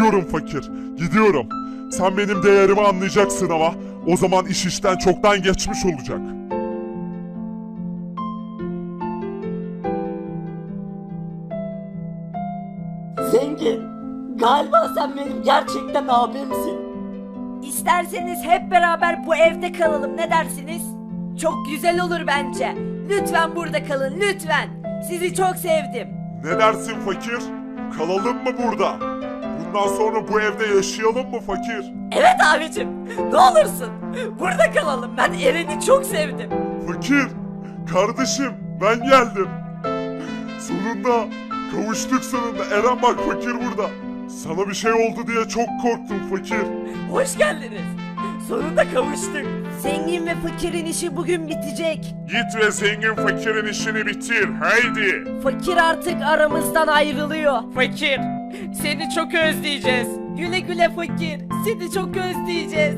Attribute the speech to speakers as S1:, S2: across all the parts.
S1: Gidiyorum fakir, gidiyorum. Sen benim değerimi anlayacaksın ama o zaman iş işten çoktan geçmiş olacak.
S2: Zengin, galiba sen benim gerçekten abimsin.
S3: İsterseniz hep beraber bu evde kalalım, ne dersiniz? Çok güzel olur bence. Lütfen burada kalın, lütfen. Sizi çok sevdim.
S1: Ne dersin fakir? Kalalım mı burada? Bundan sonra bu evde yaşayalım mı fakir?
S3: Evet abicim, ne olursun. Burada kalalım, ben Eren'i çok sevdim.
S1: Fakir, kardeşim ben geldim. Sonunda kavuştuk sonunda. Eren bak fakir burada. Sana bir şey oldu diye çok korktum fakir.
S3: Hoş geldiniz. Sonunda kavuştuk. Zengin ve fakirin işi bugün bitecek.
S1: Git ve zengin fakirin işini bitir haydi.
S3: Fakir artık aramızdan ayrılıyor. Fakir, seni çok özleyeceğiz. Güle güle fakir, seni çok özleyeceğiz.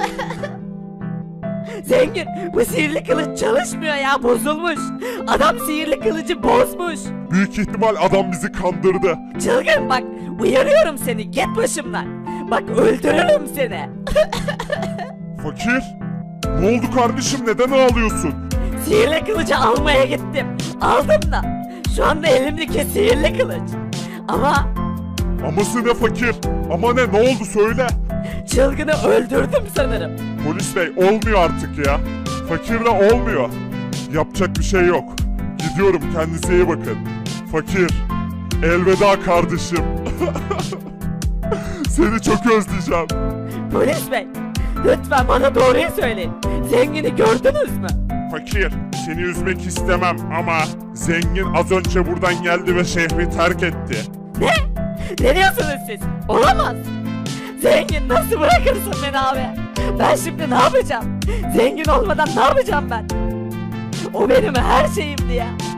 S3: Zengin, bu sihirli kılıç çalışmıyor ya, bozulmuş. Adam sihirli kılıcı bozmuş.
S1: Büyük ihtimal adam bizi kandırdı.
S3: Çılgın bak, uyarıyorum seni, git başımdan. Bak öldürürüm seni.
S1: Fakir, ne oldu kardeşim neden ağlıyorsun?
S3: Sihirli kılıcı almaya gittim. Aldım da. Şu anda elimdeki sihirli kılıç. Ama
S1: Aması ne fakir? Ama ne oldu söyle.
S3: çılgını öldürdüm sanırım.
S1: Polis bey olmuyor artık ya. Fakirle olmuyor. Yapacak bir şey yok. Gidiyorum kendinize iyi bakın. Fakir, elveda kardeşim. Seni çok özleyeceğim.
S3: Polis bey, lütfen bana doğruyu söyleyin. Zengini gördünüz mü?
S1: Fakir, seni üzmek istemem ama zengin az önce buradan geldi ve şehri terk etti.
S3: Ne? Ne diyorsunuz siz? Olamaz. Zengin nasıl bırakırsın beni abi? Ben şimdi ne yapacağım? Zengin olmadan ne yapacağım ben? O benim her şeyimdi ya.